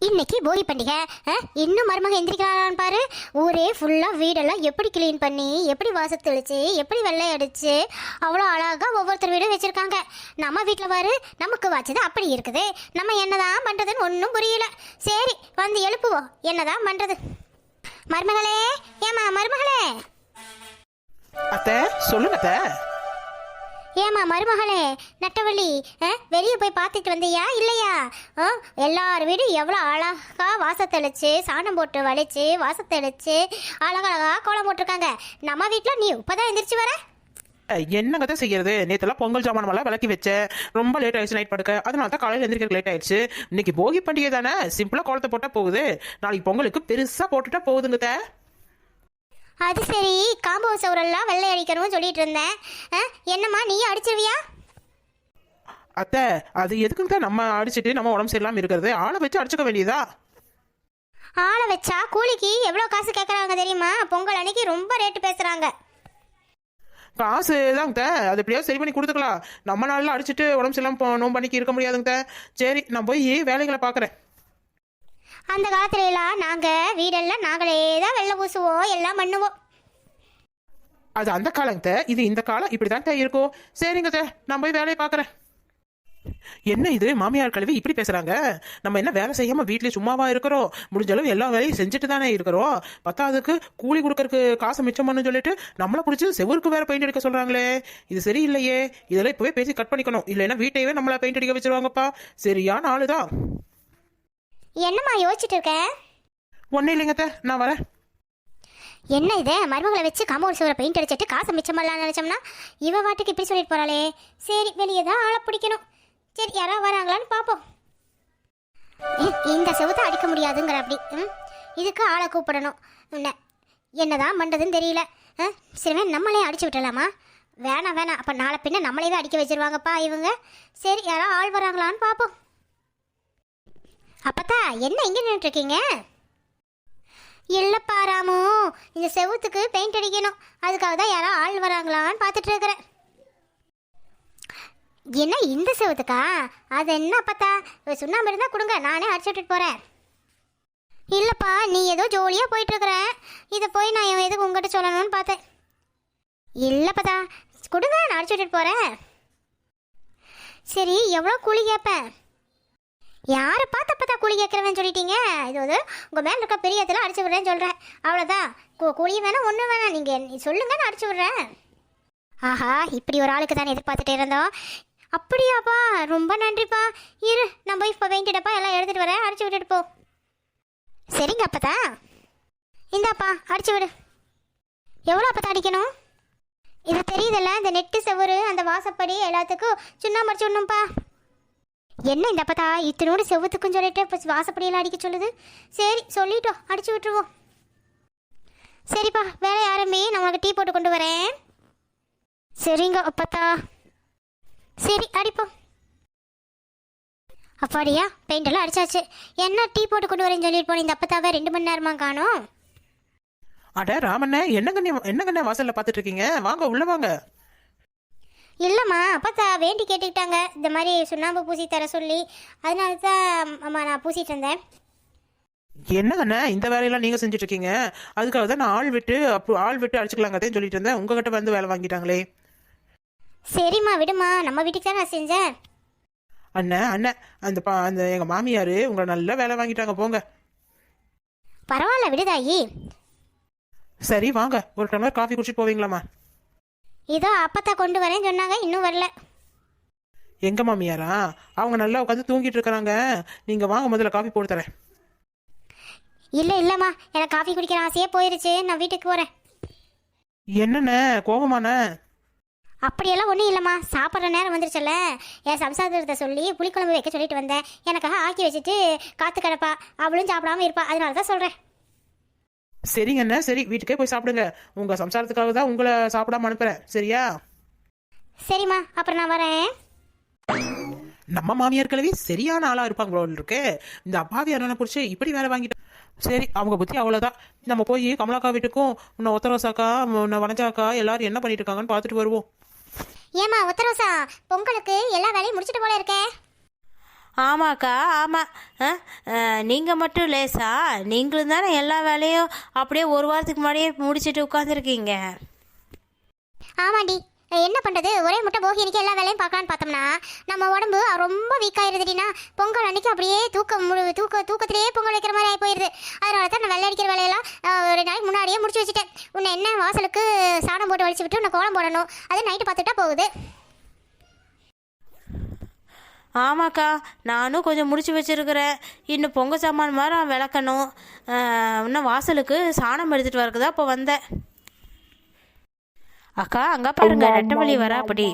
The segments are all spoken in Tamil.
இன்னைக்கு போகி பண்டிகை. இன்னும் மருமக எந்திரிக்கிறான்னு பாரு. ஊரே ஃபுல்லாக வீடெல்லாம் எப்படி க்ளீன் பண்ணி, எப்படி வாசல் தெளிச்சு, எப்படி வெள்ளை அடிச்சு அவ்வளோ அழகாக ஒவ்வொருத்தர் வீடும் வச்சுருக்காங்க. நம்ம வீட்டில் பாரு, நமக்கு வச்சது அப்படி இருக்குது. நம்ம என்னதான் பண்ணுறதுன்னு ஒன்றும் புரியல. சரி, வந்து எழுப்புவோம், என்னதான் பண்ணுறது. மருமகளே, ஏமா மருமகளே. அத்தை சொல்லுங்க அத்தை. ஏமா மருமகளே நட்டவள்ளி, வெளியே போய் பார்த்துட்டு வந்தியா இல்லையா? எல்லார் வீடும் எவ்வளோ அழகா வாசத்தெளிச்சு, சாணம் போட்டு வலிச்சு, வாசத்தெளிச்சு அழகழகா கோலம் போட்டிருக்காங்க. நம்ம வீட்டில் நீ இப்போதான் எந்திரிச்சு வர. என்னங்க தான் செய்யறது, நேற்றுலாம் பொங்கல் சாமான் விளக்கி வச்சேன். ரொம்ப லேட் ஆயிடுச்சு நைட் படுக்க, அதனால தான் காலையில் எந்திரிக்க லேட் ஆயிடுச்சு. இன்னைக்கு போகி பண்டிகை தானே, சிம்பிளாக கோலத்தை போட்டால் போகுது. நாளைக்கு பொங்கலுக்கு பெருசாக போட்டுட்டா போகுதுங்க. அது சரி, காம்பவுண்ட் சவுரெல்லாம் வெள்ளை அடிக்கணும்னு சொல்லிட்டு இருந்தேன். என்னம்மா நீ அடிச்சிருவியா? அத்தை அது எதுக்குங்க நம்ம அடிச்சுட்டு நம்ம உடம்பு சரியில்லாமல் இருக்கிறது? ஆளை வச்சு அடிச்சுக்க வேண்டியதா? ஆளை வச்சா கூலிக்கு எவ்வளோ காசு கேட்குறாங்க தெரியுமா? பொங்கல் அன்னைக்கு ரொம்ப ரேட்டு பேசுகிறாங்க. காசு தாங்க, அது எப்படியாவது சரி பண்ணி கொடுத்துக்கலாம். நம்ம நாளில் அடிச்சுட்டு உடம்பு சரியில்லாமல் நோம்பு பண்ணிக்கு இருக்க முடியாதுங்க. சரி, நான் போய் வேலைகளை பார்க்குறேன். அந்த காலத்துல எல்லாம் நாங்கள் வீடெல்லாம் நாங்களே தான் வெள்ளை பூசுவோம், எல்லாம் பண்ணுவோம். அது அந்த காலங்க, இது இந்த காலம், இப்படி தான் இருக்கும். சரிங்க, நான் போய் வேலையை பார்க்குறேன். என்ன இது மாமியார் கழுவி இப்படி பேசுறாங்க? நம்ம என்ன வேலை செய்யாம வீட்லயே சும்மாவா இருக்கிறோம்? முடிஞ்ச அளவு எல்லா வேலையும் செஞ்சுட்டு தானே இருக்கிறோம். பத்தாவதுக்கு கூலி கொடுக்கறதுக்கு காசு மிச்சம் பண்ணு சொல்லிட்டு நம்மளை பிடிச்சி செவருக்கு வேற பெயிண்ட் அடிக்க சொல்றாங்களே, இது சரியில்லையே. இதெல்லாம் இப்பவே பேசி கட் பண்ணிக்கணும், இல்லைன்னா வீட்டையவே நம்மள பெயிண்ட் அடிக்க வச்சிருவாங்கப்பா. சரியான ஆளுதான். என்னம்மா யோசிச்சுட்டு இருக்க? ஒன்னும் இல்லைங்க, நான் வரேன். என்ன இது, மருமகளை வச்சு காம்பவுண்ட் சுவரை பெயிண்ட் அடிச்சிட்டு காசு மிச்சம் பண்ணலாம்னு நினைச்சோம்னா இவ வாட்டுக்கு இப்படி சொல்லிட்டு போறாளே. சரி, வெளியே தான் ஆளை பிடிக்கணும். சரி, யாராவது வராங்களான்னு பார்ப்போம். இந்த செவுத்தை அடிக்க முடியாதுங்கிற அப்படி. இதுக்கு ஆளை கூப்பிடணும். என்னதான் பண்ணுறதுன்னு தெரியல. சரி, நம்மளே அடிச்சு விட்டுலாமா? வேணாம் வேணாம், அப்போ நாளை பின்ன நம்மளே அடிக்க வச்சிருவாங்கப்பா இவங்க. சரி, யாராவது ஆள் வராங்களான்னு பார்ப்போம். அப்பத்தா என்ன இங்கே நின்றுட்டுருக்கீங்க? இல்லைப்பா ராமு, இந்த செவுத்துக்கு பெயிண்ட் அடிக்கணும், அதுக்காக தான் யாரோ ஆள் வராங்களான்னு பார்த்துட்டு இருக்கிறேன். என்ன இந்த செவுத்துக்கா? அது என்ன அப்பத்தா, சுண்ணாம்பு இருந்தால் கொடுங்க, நானே அடிச்சு விட்டுட்டு போகிறேன். இல்லைப்பா, நீ ஏதோ ஜோலியாக போயிட்டுருக்குற, இதை போய் நான் எதுக்கு உங்ககிட்ட சொல்லணும்னு பார்த்தேன். இல்லைப்பத்தா கொடுங்க, நான் அடிச்சு விட்டுட்டு போகிறேன். சரி, எவ்வளோ கூலி கேட்பேன்? யாரை பார்த்து அப்போ தான் கூலி கேட்குறேன்னு சொல்லிட்டீங்க. இது வந்து உங்கள் மேலே இருக்க பெரிய இடத்துல அடிச்சு விட்றேன்னு சொல்கிறேன், அவ்வளோதான். கூலி வேணாம், ஒன்றும் வேணாம், நீங்கள் சொல்லுங்க, நான் அடிச்சு விட்றேன். ஆஹா, இப்படி ஒரு ஆளுக்கு தானே எதிர்பார்த்துட்டே இருந்தோம். அப்படியாப்பா, ரொம்ப நன்றிப்பா. இரு, நான் போய் இப்போ வேண்டிட்டப்பா எல்லாம் எடுத்துகிட்டு வரேன், அடிச்சு விட்டுட்டு போ. சரிங்க அப்பதா, இந்தாப்பா அடிச்சு விடு. எவ்வளோ அப்பதான் அடிக்கணும்? இது தெரியுதுல்ல, இந்த நெட்டு செவரு, அந்த வாசப்படி எல்லாத்துக்கும் சுண்ணாம்பு அடிச்சு விடணும்ப்பா. என்ன இந்த அப்பத்தா இத்தனோடு செவத்துக்குன்னு சொல்லிட்டு இப்போ வாசப்படியெல்லாம் அடிக்க சொல்லுது. சரி, சொல்லிட்டோம், அடிச்சு விட்டுருவோம். சரிப்பா, வேலை ஆரம்பி, நான் உனக்கு டீ போட்டு கொண்டு வரேன். சரிங்க அப்பத்தா. சரி, அடிப்போம். அப்பாடியா, பெயிண்ட் எல்லாம் அடிச்சாச்சு. என்ன டீ போட்டு கொண்டு வரேன்னு சொல்லிட்டு போனேன், இந்த அப்பத்தாவே 2 மணி நேரமா காணும். அட ராமண்ணே, என்னங்கண்ணே வாசல்ல பார்த்துட்டு இருக்கீங்க? வாங்க, உள்ள வாங்க. இல்லைம்மா, அப்பத்தா வேண்டி கேட்டுக்கிட்டாங்க, இந்த மாதிரி சுண்ணாம்பு பூசி தர சொல்லி, அதனால தான் அம்மா நான் பூசிட்டு இருந்தேன். என்னங்கண்ணே இந்த வேலையெல்லாம் நீங்க செஞ்சுட்டு இருக்கீங்க? அதுக்காக தான் நான் ஆள் விட்டு அடிச்சுக்கலாங்கன்னு சொல்லிட்டு இருந்தேன். உங்ககிட்ட வந்து வேலை வாங்கிட்டாங்களே. சரிம்மா விடுமா, நம்ம வீட்டுக்கு தான் நான் செஞ்சேன். அண்ணன் அந்த எங்க மாமியார் உங்களை நல்ல வேலை வாங்கிட்டாங்க, போங்க. பரவாயில்ல விடுதாயி. சரி வாங்க, ஒரு டம்ளர் காஃபி குடிச்சிட்டு போவீங்களாம்மா? இதோ அப்பத்தா கொண்டு வரேன்னு சொன்னாங்க, இன்னும் வரல. எங்க மாமியாரா? அவங்க நல்லா உட்காந்து தூங்கிட்டு இருக்கிறாங்க. நீங்க வாங்க, முதல்ல காஃபி போட்டு தரேன். இல்லைம்மா, எனக்கு காஃபி குடிக்கிற ஆசையே போயிருச்சு, நான் வீட்டுக்கு போகிறேன். என்னண்ணே கோபமாண்ணே? அப்படியெல்லாம் ஒன்றும் இல்லைம்மா, சாப்பிட்ற நேரம் வந்துருச்சுல்ல, என் சம்சாரத்தை சொல்லி புளிக்குழம்பு வைக்க சொல்லிட்டு வந்தேன். எனக்காக ஆக்கி வச்சுட்டு காத்து கிடப்பா, அவளும் சாப்பிடாம இருப்பா, அதனால தான் சொல்கிறேன். சரிங்கண்ணே, சரி, வீட்டுக்கே போய் சாப்பிடுங்க. உங்க சம்சாரத்துக்காக தான் உங்களை சாப்பிடாம அனுப்புறேன், சரியா? சரிம்மா, அப்புறம் நான் வரேன். நம்ம மாமியார் கிழவி சரியான ஆளா இருப்பாங்க போல இருக்கு. இந்த அப்பாவி அண்ணனை பிடிச்சி இப்படி வேலை வாங்கிட்டு. சரி, அவங்க புத்தி அவ்வளோதான். நம்ம போய் கமலாக்கா வீட்டுக்கும் உன்னை ஒத்தரோசாக்கா, உன்னை வனஜாக்கா எல்லாரும் என்ன பண்ணிட்டு இருக்காங்கன்னு பார்த்துட்டு வருவோம். ஏமா ஒத்தரோசா, பொங்கலுக்கு எல்லா வேலையும் முடிச்சிட்டு போல இருக்கே. ஆமாக்கா ஆமாம். நீங்கள் மட்டும் லேசா, நீங்களும் தானே எல்லா வேலையும் அப்படியே ஒரு வாரத்துக்கு முன்னாடியே முடிச்சுட்டு உட்காந்துருக்கீங்க. ஆமாண்டி, என்ன பண்ணுறது, ஒரே முட்டை போகி அன்றைக்கி எல்லா வேலையும் பார்க்கலான்னு பார்த்தோம்னா நம்ம உடம்பு ரொம்ப வீக் ஆயிருதுடினா. பொங்கல் அன்றைக்கி அப்படியே தூக்கத்திலேயே பொங்கல் வைக்கிற மாதிரி ஆகி போயிடுது. அதனால தான் நான் வெள்ளை அடிக்கிற வேலையெல்லாம் ஒரு நாளைக்கு முன்னாடியே முடிச்சு வச்சுட்டேன். உன்னை என்ன வாசலுக்கு சாணம் போட்டு வலிச்சு விட்டு உன்னை கோலம் போடணும், அது நைட்டு பார்த்துட்டா போகுது. ஆமாக்கா, நானும் கொஞ்சம் முடிச்சு வச்சுருக்கிறேன். இன்னும் பொங்கல் சாமான் மாதிரி நான் விளக்கணும். இன்னும் வாசலுக்கு சாணம் எடுத்துகிட்டு வரக்கு தான் இப்போ வந்தேன். அக்கா அங்கே பாருங்க, நெட்டவழி வரா அப்படி.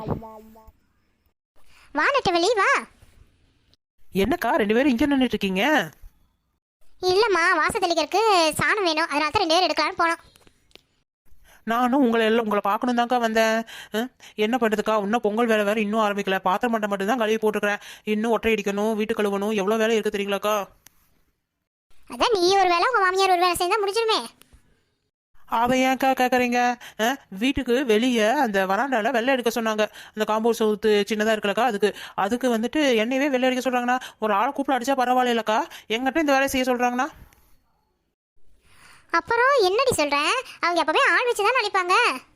வா நெட்டவழி வா. என்னக்கா 2 பேரும் இங்கே நின்றுட்டு இருக்கீங்க? இல்லைம்மா, வாசல் தெளிக்கிறதுக்கு சாணம் வேணும், அதனால தான் 2 பேர் எடுக்கலான்னு போனோம். நானும் உங்களை பார்க்கணும் தான்க்கா வந்தேன். என்ன பண்ணுறதுக்கா, இன்னும் பொங்கல் வேலை வேறு இன்னும் ஆரம்பிக்கல. பாத்திரம் மட்டும் தான் கழுவி போட்டுருக்கிறேன். இன்னும் ஒற்றை அடிக்கணும், வீட்டு கழுவணும், எவ்வளோ வேலை இருக்குது தெரியுங்களாக்கா. அதான் நீ ஒரு வேலை உங்கள் மாமியார் ஒரு வேலை செஞ்சால் முடிஞ்சிருமே. அதை ஏன்க்கா கேட்குறீங்க? வீட்டுக்கு வெளியே அந்த வராண்டாவில் வெள்ளை எடுக்க சொன்னாங்க. அந்த காம்பவுண்ட் சவுத்து சின்னதாக இருக்கலக்கா, அதுக்கு வந்துட்டு என்னையவே வெள்ளை அடிக்க சொல்கிறாங்கண்ணா. ஒரு ஆளை கூப்பிட அடித்தா பரவாயில்லக்கா, எங்கிட்ட இந்த வேலையை செய்ய சொல்கிறாங்கண்ணா. அப்புறம் என்னடி சொல்கிறேன், அவங்க எப்போவே ஆள் வச்சு தான் அடிப்பாங்க.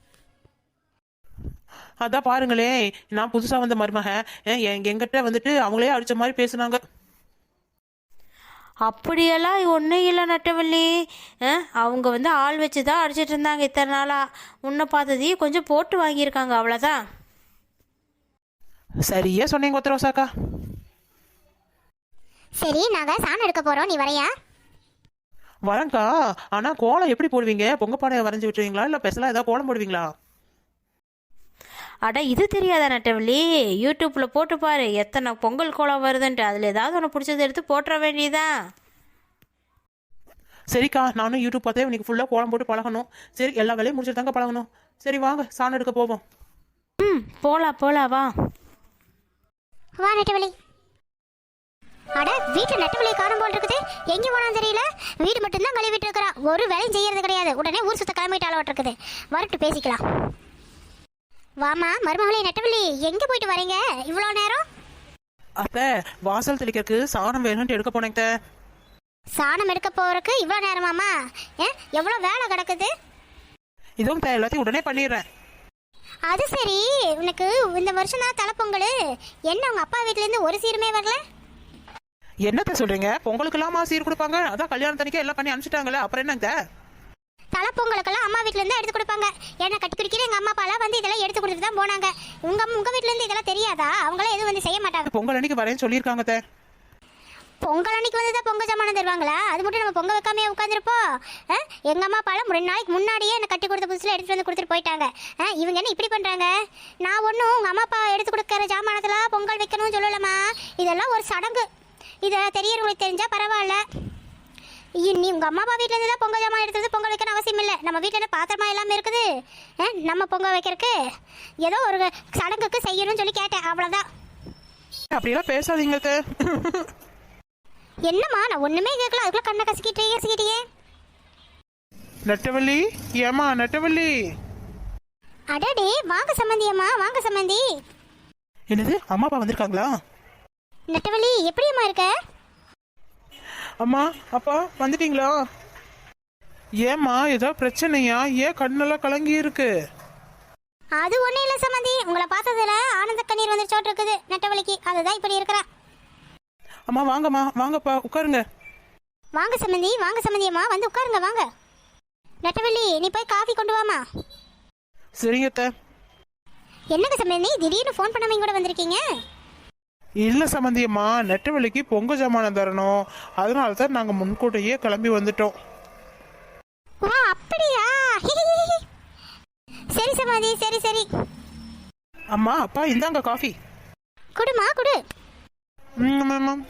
அதான் பாருங்களேன், நான் புதுசாக வந்த மருமக எங்கிட்ட வந்துட்டு அவங்களே அடித்த மாதிரி பேசுனாங்க. அப்படியெல்லாம் ஒன்றும் இல்லை நட்டவள்ளி. அவங்க வந்து ஆள் வச்சு தான் அடிச்சிட்டு இருந்தாங்க இத்தனை நாளாக. உன்னை பார்த்ததையும் கொஞ்சம் போட்டு வாங்கியிருக்காங்க, அவ்வளோதான். சரியா சொன்னீங்க ஒத்தரோசாக்கா. சரி, நாங்கள் சாணம் எடுக்க போகிறோம், நீ வரையா? வரேங்க்கா. ஆனால் கோலம் எப்படி போடுவீங்க? பொங்கப்பானையை வரைஞ்சி விட்டுருவீங்களா இல்லை பெருசாக ஏதாவது கோலம் போடுவீங்களா? அட இது தெரியாதா நட்டவள்ளி? யூடியூப்பில் போட்டு பாரு, எத்தனை பொங்கல் கோலம் வருதுன்ட்டு. அதில் ஏதாவது ஒன்று பிடிச்சது எடுத்து போட்டுற வேண்டியதான். சரிக்கா, நானும் யூடியூப் பார்த்தே இன்னைக்கு ஃபுல்லாக கோலம் போட்டு பழகணும். சரி, எல்லா வேலையும் முடிச்சுட்டு தாங்க பழகணும். சரி வாங்க, சாணம் எடுக்க போவோம். போலாம் வா. வா நெட்டவழி. அட, வீட்டில் நெட்டவழியை காணும் போல் இருக்குது. எங்கே போனான்னு தெரியல. வீடு மட்டும்தான் கழுவிட்டு இருக்கிறா, ஒரு வேலையும் செய்யறது கிடையாது. உடனே ஊர் சுத்த கிளம்பிட்டு அளவட்டு இருக்குது. வரட்டு பேசிக்கலாம். வாமா மருமகளே நெட்டவள்ளி, எங்கே போயிட்டு வரீங்க இவ்வளோ நேரம்? அத்தை, வாசல் தெளிக்கிறதுக்கு சாணம் வேணும்ட்டு எடுக்க போனேங்க. சாணம் எடுக்க போறதுக்கு இவ்வளோ நேரமாமா? எவ்வளோ வேலை கிடக்குது. இதுவும் எல்லாத்தையும் உடனே பண்ணிடுறேன். அது சரி, உனக்கு இந்த வருஷம் தான் தலைப்பொங்கல். என்ன உங்க அப்பா வீட்டிலேருந்து ஒரு சீருமே வரல? என்னத்த சொல்றீங்க? பொங்கலுக்கெல்லாமா சீர் கொடுப்பாங்க? அதான் கல்யாணத்தனிக்கே எல்லாம் பண்ணி அனுப்பிச்சிட்டாங்களே, அப்புறம் என்னங்க? தலைப்பொங்கலுக்கெல்லாம் அம்மா வீட்டிலேருந்து எடுத்து கொடுப்பாங்க. ஏன்னா கட்டி குடிக்கிற எங்கள் அம்மா அப்பாலாம் வந்து இதெல்லாம் எடுத்து கொடுத்துட்டு தான் போனாங்க. உங்கள் வீட்டிலேருந்து இதெல்லாம் தெரியாதா? அவங்களாம் எதுவும் வந்து செய்ய மாட்டாங்க. பொங்கல் அன்னைக்கு வரேன்னு சொல்லியிருக்காங்க. பொங்கல் அன்னைக்கு வந்து தான் பொங்கல் சாமானம் தருவாங்களா? அது மட்டும் நம்ம பொங்கல் வைக்காமே உட்காந்துருப்போம். எங்கள் அம்மா அப்பாலாம் 2 நாளைக்கு முன்னாடியே என்னை கட்டி கொடுத்த புதுசில் எடுத்துகிட்டு வந்து கொடுத்துட்டு போயிட்டாங்க. இவங்க என்ன இப்படி பண்ணுறாங்க? நான் ஒன்றும் உங்கள் அம்மா அப்பா எடுத்து கொடுக்குற சாமானத்தில் பொங்கல் வைக்கணும்னு சொல்லலம்மா. இதெல்லாம் ஒரு சடங்கு. இதை தெரியறவங்களுக்கு தெரிஞ்சால் பரவாயில்ல. நீ உங்கள் அம்மா அப்பா வீட்டிலேருந்து தான் பொங்கல் ஜாமான் எடுத்து பொங்கல் வைக்கணும் அவசியம் இல்லை. நம்ம வீட்டில் என்ன பாத்திரமா எல்லாமே இருக்குது. நம்ம பொங்கல் வைக்கிறதுக்கு ஏதோ ஒரு சடங்குக்கு செய்யணும்னு சொல்லி கேட்டேன், அவ்வளோதான். அப்படியெல்லாம் பேசாதீங்க. என்னம்மா, நான் ஒன்றுமே கேட்கல, அதுக்குள்ள கண்ணை கசிக்கிட்டே. நெட்டவள்ளி, ஏமா நெட்டவள்ளி. அடடே, வாங்க சம்மந்தி அம்மா, வாங்க சம்மந்தி. என்னது, அம்மா அப்பா வந்திருக்காங்களா? நெட்டவள்ளி, எப்படியம்மா இருக்க? அம்மா அப்பா வந்துட்டீங்களா? ஏம்மா, ஏதோ பிரச்சனையா? ஏன் கண்ணெல்லாம் கலங்கி இருக்கு? அது ஒன்றும் இல்லை சம்மந்தி, உங்களை பார்த்ததுல ஆனந்த கண்ணீர் வந்துருச்சோட்டு இருக்குது நெட்டவள்ளிக்கு, அதுதான் இப்படி இருக்கிறா. அம்மா வாங்கம்மா, வாங்கப்பா உட்காருங்க. வாங்க சம்மந்தி, வாங்க சம்மந்தி அம்மா, வந்து உட்காருங்க வாங்க. நெட்டவள்ளி, நீ போய் காஃபி கொண்டு வாமா. சரிங்க அத்தை. என்னங்க சம்மந்தி, திடீர்னு ஃபோன் பண்ணாம கூட வந்திருக்கீங்க? இல்லை சம்மந்தியம்மா, நெட்டவள்ளிக்கு பொங்க ஜாமானம் தரணும், அதனால தான் நாங்கள் முன்கூட்டியே கிளம்பி வந்துட்டோம். வா, அப்படியா? சரி சம்மந்தி, சரி சரி. அம்மா அப்பா இந்தாங்க காஃபி. குடுமா குடு. மேம்.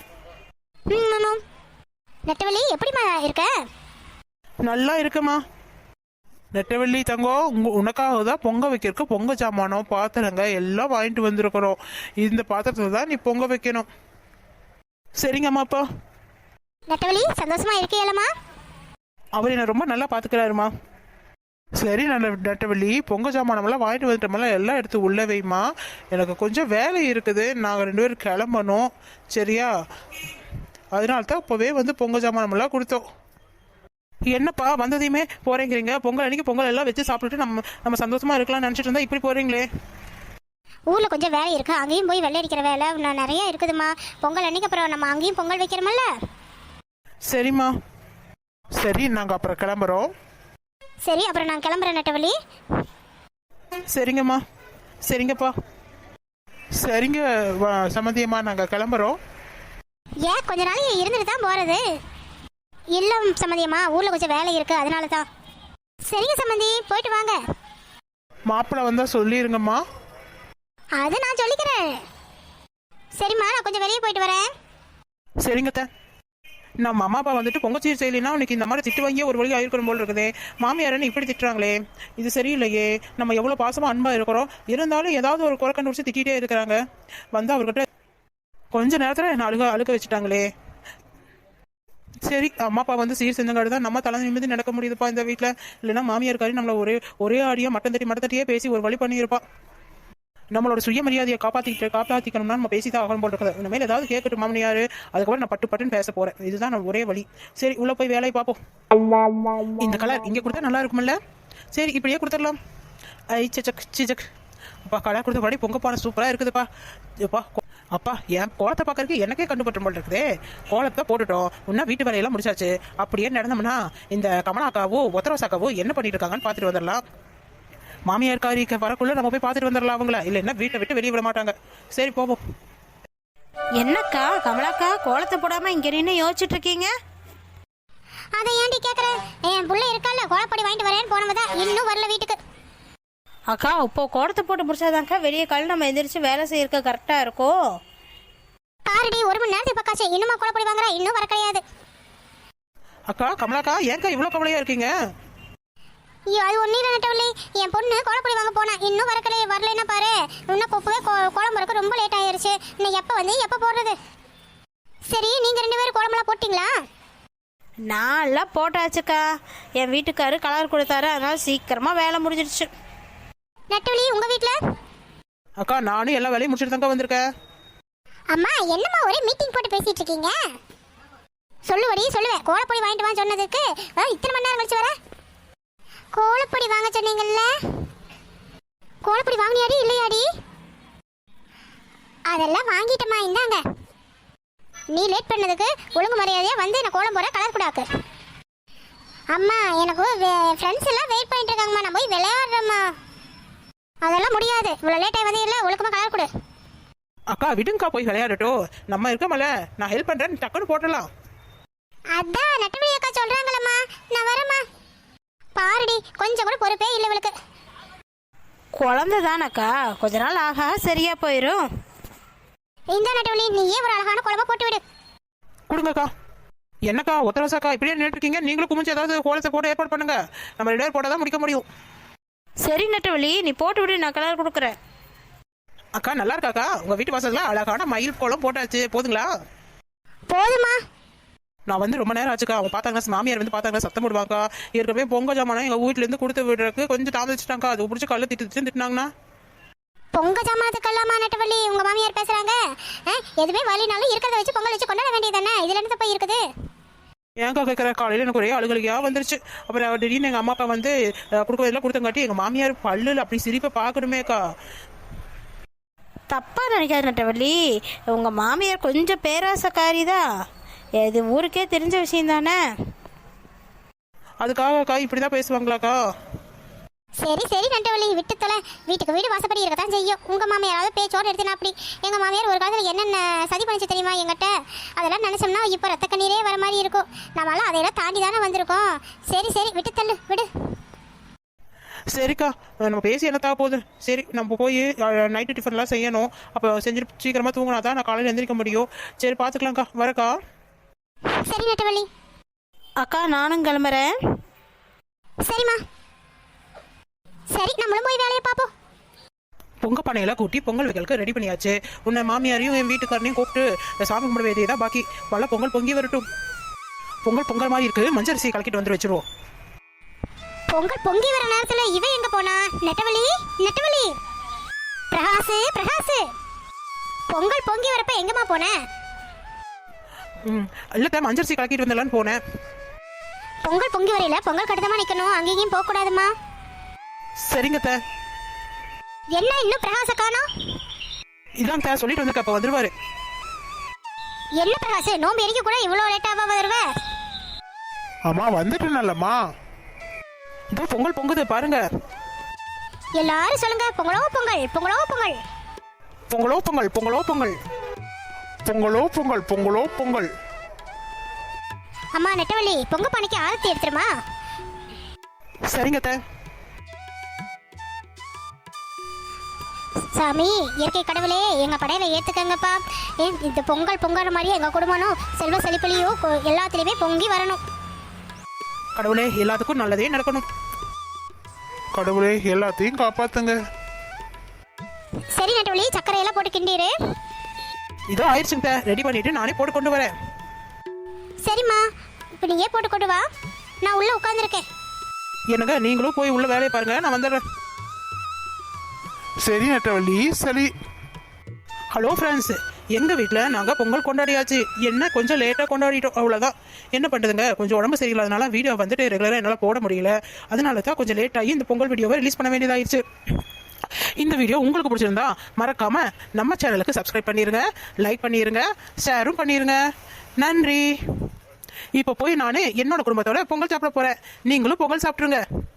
நெட்டவள்ளி, எப்படிமா இருக்க? நல்லா இருக்குமா. நெட்டவள்ளி தங்கம், உனக்காக தான் பொங்க வைக்கிறதுக்கு பொங்க ஜாமானம் பாத்திரங்க எல்லாம் வாங்கிட்டு வந்திருக்கிறோம். இந்த பாத்திரத்தில் தான் நீ பொங்க வைக்கணும். சரிங்கம்மா அப்பா. நெட்டவள்ளி, சந்தோஷமா இருக்கீங்களா? அவர் என்ன ரொம்ப நல்லா பார்த்துக்கிறாருமா. சரி நட்டவள்ளி, பொங்க சாமானமெல்லாம் வாங்கிட்டு வந்துட்டோமெல்லாம் எல்லாம் எடுத்து உள்ள வைமா. எனக்கு கொஞ்சம் வேலை இருக்குது, நாங்கள் 2 பேரும் கிளம்பணும். சரியா? அதனால தான் இப்போவே வந்து பொங்க சாமானமெல்லாம் கொடுத்தோம். என்னப்பா வந்ததையுமே போறேங்கிறீங்க? பொங்கல் அன்னைக்கு பொங்கல் எல்லாம் வச்சு சாப்பிட்டுட்டு நம்ம சந்தோஷமா இருக்கலாம்னு நினச்சிட்டு இருந்தா இப்படி போறீங்களே. ஊர்ல கொஞ்சம் வேலை இருக்கு, அங்கேயும் போய் வெள்ளை அடிக்கிற வேலை இன்னும் நிறைய இருக்குதுமா. பொங்கல் அன்னைக்கு அப்புறம் நம்ம அங்கேயும் பொங்கல் வைக்கிறோமல்ல. சரிம்மா, சரி நாங்கள் அப்புறம் கிளம்புறோம். சரி, அப்புறம் நான் கிளம்புறேன் நட்டவள்ளி. சரிங்கம்மா. சரிங்கப்பா. சரிங்க சம்மந்தியம்மா, நாங்கள் கிளம்புறோம். ஏன் கொஞ்ச நாள் இருந்துட்டு தான் போறது? இல்ல சம்மந்தியம்மா, ஊர்ல கொஞ்சம் வேலை இருக்கு, அதனால தான். சரிங்க சம்மந்தி, போயிட்டு வாங்க. மாப்பிள்ளை வந்தா சொல்லிருங்கம்மா. அது நான் சொல்லிக்கிறேன். சரிம்மா, நான் கொஞ்சம் வெளியே போயிட்டு வரேன். சரிங்க. நம்ம அம்மா அப்பா வந்துட்டு பொங்கச்சீர் செய்யலைன்னா உனக்கு இந்த மாதிரி திட்டு வாங்கியே ஒரு வழி ஆயிருக்கணும் போல் இருக்குதே. மாமியாரன்னு இப்படி திட்டுறாங்களே, இது சரியில்லையே. நம்ம எவ்வளோ பாசமாக அன்பாக இருக்கிறோம், இருந்தாலும் ஏதாவது ஒரு குறை கண்டுபிடிச்சி திட்டிகிட்டே இருக்கிறாங்க. வந்து அவர்கிட்ட கொஞ்ச நேரத்தில் என்ன அழுக வச்சுட்டாங்களே. சரி, அம்மா அப்பா வந்து சீர் செஞ்சங்காடு தான் நம்ம தலை நிமிந்து நடக்க முடியுதுப்பா இந்த வீட்டில். இல்லைன்னா மாமியார் நம்மளை ஒரே ஆடியாக மட்டம் தட்டியே பேசி ஒரு வழி பண்ணியிருப்பா. நம்மளோட சுயமரியாதையை காப்பாற்றிக்கணும்னா நம்ம பேசிதான் ஆகணும் போல் இருக்குது. இனிமேல் ஏதாவது கேட்கட்டும் மாமனியார், அதுக்கப்புறம் நான் பட்டுன்னு பேச போறேன். இதுதான் நான் ஒரே வழி. சரி, உள்ள போய் வேலையை பார்ப்போம். இந்த கலர் இங்கே கொடுத்தா நல்லா இருக்கும்ல? சரி, இப்படியே கொடுத்துடலாம். சிஜக் அப்பா, கலர் கொடுத்த படி பொங்க பானை சூப்பராக இருக்குதுப்பா. அப்பா, என் கோலத்தை பார்க்கறதுக்கு எனக்கே கண்டுபட்டு போல் இருக்குதே. கோலத்தை போட்டுட்டோம், இன்னும் வீட்டு வேலையெல்லாம் முடிச்சாச்சு. அப்படியே நடந்தோம்னா இந்த கமலாக்காவோ ஒத்தரவசாக்காவோ என்ன பண்ணிட்டு இருக்காங்கன்னு பார்த்துட்டு வந்துடலாம். மாமியார் காரிக்கு வரக்குள்ள நம்ம போய் பார்த்துட்டு வந்துடலாம் அவங்கள. இல்லைன்னா வீட்டை விட்டு வெளியே விட மாட்டாங்க. சரி, போவோம். என்னக்கா கமலாக்கா கோலத்தை போடாம இங்க நின்று யோசிச்சுட்டு இருக்கீங்க? அதை ஏன்டி கேக்குற? என் புள்ள இருக்கால, கோலப்படி வாங்கிட்டு வரேன்னு போனவதான் இன்னும் வரல வீட்டுக்கு. அக்கா, இப்போ கோலத்தை போட்டு முடிச்சாதான்க்கா வெளியே கால நம்ம எந்திரிச்சு வேலை செய்யறதுக்கு கரெக்டா இருக்கும். பாருடி, 1 மணி நேரத்துக்கு பக்காச்சு, இன்னுமா கோலப்படி வாங்குறா? இன்னும் வர கிடையாது. அக்கா கமலாக்கா, ஏன்க்கா இவ்வளோ கவலையா இருக்கீங்க? ஐயோ, அது ஒன்றும் இல்லை நட்டவள்ளி, என் பொண்ணு கோலப்பொடி வாங்க போனா, இன்னும் வரலன்னா பாரு. இன்னும் கொப்பவே கோலம் போறக்கு ரொம்ப லேட் ஆயிருச்சு. இன்னும் எப்போ போடுறது? சரி, நீங்க 2 பேரும் கோலமெல்லாம் போட்டிங்களா? நான் எல்லாம் போட்டாச்சுக்கா. என் வீட்டுக்காரு கலர் கொடுத்தாரு, அதனால சீக்கிரமா வேலை முடிஞ்சிடுச்சு. நட்டவள்ளி, உங்க வீட்டுல? அக்கா, நானும் எல்லா வேலையும் முடிச்சுட்டு தாங்க வந்திருக்கேன். அம்மா, என்னம்மா ஒரே மீட்டிங் போட்டு பேசிட்டு இருக்கீங்க? சொல்லுவேன். கோலப்பொடி வாங்கிட்டு வான்னு சொன்னதுக்கு இத்தனை மணி நேரம் கழிச்சு வர? கோலப்பொடி வாங்க சொன்னீங்கல்ல, கோலப்பொடி வாங்கினியாடி இல்லையாடி? அதெல்லாம் வாங்கிட்டமா, இந்தாங்க. நீ லேட் பண்ணதுக்கு ஒழுங்கு மரியாதையா வந்து நான் கோலம் போற கலர் கூடாக்கு. அம்மா, எனக்கு ஃப்ரெண்ட்ஸ் எல்லாம் வெயிட் பண்ணிட்டு இருக்காங்கம்மா, நான் போய் விளையாடுறேம்மா. அதெல்லாம் முடியாது, இவ்வளோ லேட்டாக வந்து இல்லை, ஒழுக்கமாக கலர் கொடு. அக்கா விடுங்கக்கா, போய் விளையாடட்டும். நம்ம இருக்கமல, நான் ஹெல்ப் பண்றேன், டக்குன்னு போட்டலாம். அதான் நட்டவள்ளி அக்கா சொல்றாங்களம்மா, நான் வரேம்மா. பாருடி, கொஞ்சம் கூட பொறுப்பே இல்லை இவளுக்கு. குழந்தை தானக்கா, கொஞ்ச நாள் ஆகா சரியா போயிடும். இந்த நட்டவள்ளி, நீயே ஒரு அழகான குழம்பு போட்டு விடு. கொடுங்கக்கா. என்னக்கா ஒத்தரசாக்கா இப்படியே நின்றுட்டு இருக்கீங்க? நீங்களும் குமிச்சு ஏதாவது கோலத்தை போட்டு ஏற்பாடு பண்ணுங்க. நம்ம 2 பேர் போட்டால் தான் முடிக்க முடியும். சரி நட்டவள்ளி, நீ போட்டு விடு, நான் கலர் கொடுக்குறேன். அக்கா, நல்லா இருக்காக்கா? உங்க வீட்டு வாசல்ல அழகான மயில் கோலம் போட்டாச்சு, போதுங்களா? போதுமா? நான் வந்து ரொம்ப நேரம் ஆச்சுக்கா. அவங்க பார்த்தாங்கன்னா மாமியார் வந்து பார்த்தாங்கன்னா சத்தம் போடுவாக்கா. ஏற்கனவே பொங்க ஜாமானம் எங்கள் வீட்டிலேருந்து கொடுத்து விடுறதுக்கு கொஞ்சம் தாமதிச்சிட்டாங்க. அது பிடிச்சி கல்ல திட்டினாங்கன்னா பொங்க ஜாமானத்துக்கெல்லாமா நட்டவள்ளி உங்க மாமியார் பேசுறாங்க? எதுவுமே வழினாலும் இருக்கிறத வச்சு பொங்கல் வச்சு கொண்டாட வேண்டியதானே, இதுல இருந்து போய் இருக்குது. ஏங்கா கேட்குற? காலையில் எனக்கு ஒரே அழுகலியாக வந்துருச்சு. அப்புறம் திடீர்னு எங்கள் அம்மா அப்பா வந்து கொடுக்குறதெல்லாம் கொடுத்தங்காட்டி எங்கள் மாமியார் பல்லில் அப்படி சிரிப்பை பார்க்கணுமேக்கா. தப்பா நினைக்காது நட்டவள்ளி, உங்க மாமியார் கொஞ்சம் பேராசக்காரி தான். இது ஊருக்கே தெரிஞ்ச விஷயம் தானே. அதுக்காகக்கா இப்படி தான் பேசுவாங்களாக்கா? சரி நட்டவள்ளி, விட்டு தொலை. வீட்டுக்கு வீடு வாசப்படி இருக்கத்தான் செய்யும். உங்க மாமியாராவது பேச்சோடு எடுத்துனா அப்படி. எங்க மாமியார் ஒரு காலத்தில் என்னென்ன சதி பண்ணிச்சு தெரியுமா எங்கிட்ட? அதெல்லாம் நினைச்சோம்னா இப்போ ரத்த கண்ணீரே வர மாதிரி இருக்கும். நம்மளாம் அதையெல்லாம் தாண்டி தானே வந்திருக்கோம். சரி விட்டு தள்ளு, விடு. சரிக்கா, நம்ம பேசி என்னத்தா போகுது. சரி, நம்ம போய் நைட்டு டிஃபன்லாம் செய்யணும். அப்போ செஞ்சுட்டு சீக்கிரமாக தூங்கினா தான் நான் காலையில் எந்திரிக்க முடியும். சரி, பார்த்துக்கலாம்க்கா. வரக்கா. சரி நட்டவள்ளி. அக்கா, நானும் கிளம்புறேன். சரிம்மா. சரி, நம்மளும் போய் வேலையை பார்ப்போம். பொங்க பானையெல்லாம் கூட்டி பொங்கல் வைக்கலுக்கு ரெடி பண்ணியாச்சு. உன்னை மாமியாரையும் என் வீட்டுக்காரனையும் கூப்பிட்டு சாமி கும்பிட வேண்டியதா பாக்கி. பல பொங்கல் பொங்கி வரட்டும். பொங்கல் மாதிரி இருக்கு, மஞ்சள் அரிசியை கலக்கிட்டு வந்து வச்சிருவோம். பொங்கல் பொங்கி வர நேரத்துல இவ எங்க போனா? நெட்டவழி, நெட்டவழி, பிரகாசு, பிரகாசு, பொங்கல் பொங்கி வரப்ப எங்கம்மா போன? இல்ல மஞ்சரிசி கலக்கிட்டு வந்தலான்னு போனேன். பொங்கல் பொங்கி வரையில பொங்கல் கட்டுதமா நிக்கணும், அங்கேயும் போக கூடாதுமா. சரிங்க தே. என்ன இன்னும் பிரகாச காணோம்? இதான் தே சொல்லிட்டு வந்திருக்க, அப்ப வந்துருவாரு. என்ன பிரகாசு, நோம்பு எரிக்க கூட இவ்வளவு லேட்டாவா வருவ? அம்மா வந்துட்டேனல்லம்மா. இதோ பொங்கல் பொங்குது பாருங்க. எல்லாரும் சொல்லுங்க, பொங்கலோ பொங்கல், பொங்கலோ பொங்கல், பொங்கலோ பொங்கல், பொங்கலோ பொங்கல். பொங்கலோ பொங்கல், பொங்கலோ பொங்கல். அம்மா நெட்டவள்ளி, பொங்க பானைக்கு ஆரத்தி எடுத்துருமா? சரிங்க தே. சாமி, இயற்கை கடவுளே, எங்க படையில ஏத்துக்கங்கப்பா. இந்த பொங்கல் பொங்குற மாதிரியே எங்க குடும்பம் செல்வ செழிப்புலையும் எல்லாத்துலயுமே பொங்கி வரணும். கடவுளே, எல்லாத்துக்கும் நல்லதே நடக்கணும். கடவுளே எல்லாத்தையும் காப்பாத்துங்க. சரி நெட்டவள்ளி, சர்க்கரையெல்லாம் போட்டு கிண்டிரு. இதோ ஆயிடுச்சுங்க தே, ரெடி பண்ணிட்டு நானே போட்டு கொண்டு வரேன். சரிம்மா, இப்போ நீயே போட்டு கொண்டு வா, நான் உள்ள உட்காந்துருக்கேன். என்னங்க, நீங்களும் போய் உள்ள வேலையை பாருங்க, நான் வந்துடுறேன். சரி நெட்டவள்ளி, சரி. ஹலோ ஃப்ரெண்ட்ஸ், எங்கள் வீட்டில் நாங்கள் பொங்கல் கொண்டாடியாச்சு. என்ன கொஞ்சம் லேட்டாக கொண்டாடிட்டோம், அவ்வளோதான். என்ன பண்ணுறதுங்க, கொஞ்சம் உடம்பு சரியில்லாதனால வீடியோ வந்துட்டு ரெகுலராக என்னால் போட முடியல. அதனால தான் கொஞ்சம் லேட் ஆகி இந்த பொங்கல் வீடியோவை ரிலீஸ் பண்ண வேண்டியதாகிடுச்சு. இந்த வீடியோ உங்களுக்கு பிடிச்சிருந்தா மறக்காமல் நம்ம சேனலுக்கு சப்ஸ்கிரைப் பண்ணிடுங்க, லைக் பண்ணிடுங்க, ஷேரும் பண்ணிடுங்க. நன்றி. இப்போ போய் நான் என்னோட குடும்பத்தோட பொங்கல் சாப்பிட போகிறேன். நீங்களும் பொங்கல் சாப்பிட்ருங்க.